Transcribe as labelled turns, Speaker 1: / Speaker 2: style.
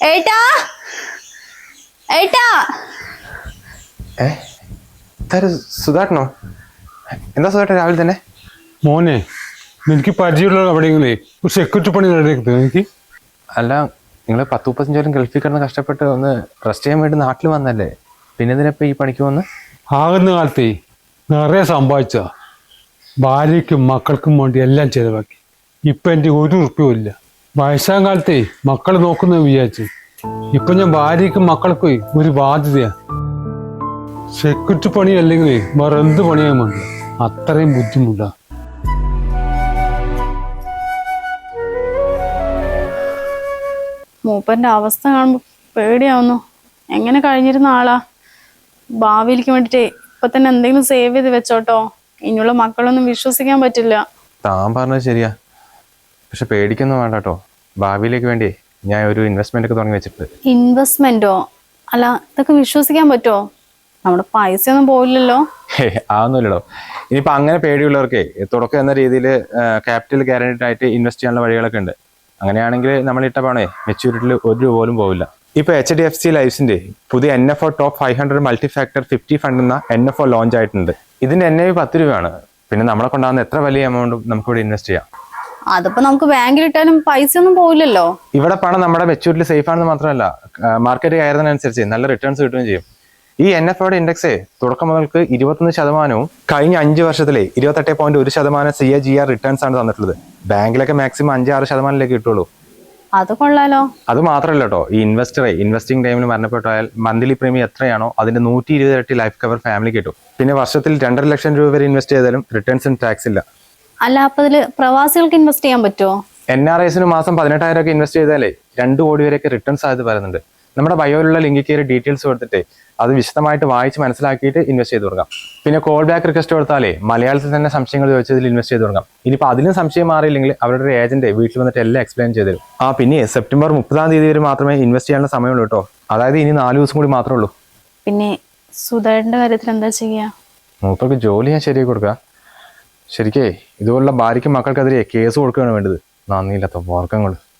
Speaker 1: ഏട്ടാ ഏട്ടാ
Speaker 2: സുധാട്ടനോ? എന്താ സുധാട്ടൻ രാവിലെ തന്നെ?
Speaker 3: മോനെ, എനിക്ക് പരിചയമുള്ള എവിടെയെങ്കിലേ ഒരു സെക്യൂരിറ്റി പണി റെഡിയാക്കുന്നത് എനിക്ക്.
Speaker 2: അല്ല, നിങ്ങൾ 10-35 കൊല്ലം ഗൾഫിൽ കിടന്ന് കഷ്ടപ്പെട്ട് ഒന്ന് റെസ്റ്റ് ചെയ്യാൻ വേണ്ടി നാട്ടിൽ വന്നല്ലേ, പിന്നെ എന്തിനപ്പോൾ ഈ പണിക്ക് വന്ന്?
Speaker 3: ആകുന്ന കാലത്തേ നിറയെ സമ്പാദിച്ച ഭാര്യയ്ക്കും മക്കൾക്കും വേണ്ടി എല്ലാം ചെലവാക്കി. ഇപ്പം എൻ്റെ ഒരു ഉറുപ്പ്യവും ഇല്ല. വയസ്സാം കാലത്തേ മക്കൾ നോക്കുന്ന വിചാരിച്ച് ഇപ്പൊ ഞാൻ ഭാര്യയ്ക്കും മക്കൾക്കും ഒരു ബാധ്യതയാ. സെക്യൂരിറ്റി പണി അല്ലെങ്കിൽ വേറെ എന്ത് പണിയാൻ വേണ്ട, അത്രയും ബുദ്ധിമുട്ടാ.
Speaker 1: മൂപ്പന്റെ അവസ്ഥ കാണുമ്പോ പേടിയാവുന്നു. എങ്ങനെ കഴിഞ്ഞിരുന്ന ആളാ. ഭാവിയിലേക്ക് വേണ്ടിട്ടേ ഇപ്പൊ തന്നെ എന്തെങ്കിലും സേവ് ചെയ്ത് വെച്ചോട്ടോ. ഇനിയുള്ള മക്കളൊന്നും വിശ്വസിക്കാൻ പറ്റില്ല.
Speaker 2: താൻ പറഞ്ഞത് ശരിയാ, പക്ഷെ പേടിക്കൊന്നും വേണ്ട കേട്ടോ. ഭാവിയിലേക്ക് വേണ്ടി ഞാൻ ഒരു ഇൻവെസ്റ്റ്മെന്റ് ഒക്കെ തുടങ്ങി വെച്ചിട്ടുണ്ട്.
Speaker 1: ഇൻവെസ്റ്റ്മെന്റോ? അല്ല, ഇതൊക്കെ വിശ്വസിക്കാൻ പറ്റുമോ? നമ്മുടെ പൈസ ഒന്നും പോയില്ലല്ലോ.
Speaker 2: അതൊന്നുമില്ലടോ. ഇനിയിപ്പോ അങ്ങനെ പേടിയുള്ളവർക്കേ തുടക്കം എന്ന രീതിയിൽ ക്യാപിറ്റൽ ഗ്യാരണ്ടീഡ് ആയിട്ട് ഇൻവെസ്റ്റ് ചെയ്യാനുള്ള വഴികളൊക്കെ ഉണ്ട്. അങ്ങനെയാണെങ്കിൽ നമ്മൾ ഇട്ട പണേ മെച്യൂരിറ്റിയിൽ ഒരു രൂപ പോലും പോവില്ല. ഇപ്പൊ HDFC ലൈഫിന്റെ പുതിയ NFO top 500 multi factor 50 fund എന്ന NFO ലോഞ്ച് ആയിട്ടുണ്ട്. ഇതിന്റെ NAV 10 രൂപയാണ്. പിന്നെ നമ്മളെ കൊണ്ടാകുന്ന എത്ര വലിയ എമൗണ്ടും നമുക്ക് ഇവിടെ ഇൻവെസ്റ്റ് ചെയ്യാം.
Speaker 1: അതിപ്പോ നമുക്ക് ബാങ്കിൽ ഇട്ടാലും പൈസ ഒന്നും പോയില്ലല്ലോ.
Speaker 2: ഇവിടെ പണം നമ്മുടെ മെച്യൂരിറ്റി സേഫ് ആണെന്ന് മാത്രമല്ല, മാർക്കറ്റ് കയറുന്നതിനനുസരിച്ച് നല്ല റിട്ടേൺസ് കിട്ടുകയും ചെയ്യും. ഈ NFOയുടെ ഇൻഡെക്സ് തുടക്കം മുതൽക്ക് 21% കഴിഞ്ഞ 5 വർഷത്തിലെ 28.1% CAGR റിട്ടേൺസ് ആണ് തന്നിട്ടുള്ളത്. ബാങ്കിലൊക്കെ മാക്സിമം 5-6% കിട്ടുള്ളൂ.
Speaker 1: അത് കൊള്ളാലോ.
Speaker 2: അത് മാത്രമല്ല കേട്ടോ, ഈ ഇൻവെസ്റ്റിംഗ് ടൈമിൽ മരണപ്പെട്ടാൽ മന്ത്ലി പ്രീമിയം എത്രയാണോ അതിന്റെ 120 ഇരട്ടി ലൈഫ് കവർ ഫാമിലി കിട്ടും. പിന്നെ വർഷത്തിൽ 2.5 ലക്ഷം രൂപ വരെ ഇൻവെസ്റ്റ് ചെയ്താലും റിട്ടേൺസിന് ടാക്സ് ഇല്ല.
Speaker 1: അല്ല, അപ്പൊ ഇതില് പ്രവാസികൾക്ക് ഇൻവെസ്റ്റ് ചെയ്യാൻ പറ്റുമോ?
Speaker 2: NRIസിന് മാസം 18,000 ഒക്കെ ഇൻവെസ്റ്റ് ചെയ്താലേ 2 കോടി വരെയൊക്കെ റിട്ടേൺ സാധ്യത പറയുന്നുണ്ട്. നമ്മുടെ ബയോയിലുള്ള ലിങ്കിൽ കയറി ഡീറ്റെയിൽസ് കൊടുത്തിട്ട് അത് വിശദമായിട്ട് വായിച്ച് മനസ്സിലാക്കിയിട്ട് ഇൻവെസ്റ്റ് ചെയ്ത് കൊടുക്കാം. പിന്നെ കോൾ ബാക്ക് റിക്വസ്റ്റ് കൊടുത്താലേ മലയാളത്തിൽ തന്നെ സംശയങ്ങൾ ചോദിച്ചതിൽ ഇൻവെസ്റ്റ് ചെയ്ത് കൊടുക്കാം. ഇനിയിപ്പോൾ അതിലും സംശയം മാറിയില്ലെങ്കിൽ അവരുടെ ഒരു ഏജന്റ് വീട്ടിൽ വന്നിട്ട് എല്ലാം എക്സ്പ്ലെയിൻ ചെയ്ത് തരും. പിന്നെ സെപ്റ്റംബർ 30 വരെ മാത്രമേ ഇൻവെസ്റ്റ് ചെയ്യാനുള്ള സമയമുള്ളൂ കേട്ടോ. അതായത് ഇനി 4 ദിവസം കൂടി മാത്രമേ ഉള്ളൂ.
Speaker 1: പിന്നെ സുധേട്ടന്റെ കാര്യത്തിൽ എന്താ ചെയ്യാ?
Speaker 2: മൂപ്പർക്ക് ജോലി ഞാൻ ശരിയാക്കി കൊടുക്കുക. ശരിക്കേ ഇതുപോലുള്ള ഭാര്യയ്ക്കും മക്കൾക്കെതിരെ കേസ് കൊടുക്കുകയാണ് വേണ്ടത്. നന്ദിയില്ലാത്ത വർഗങ്ങൾ.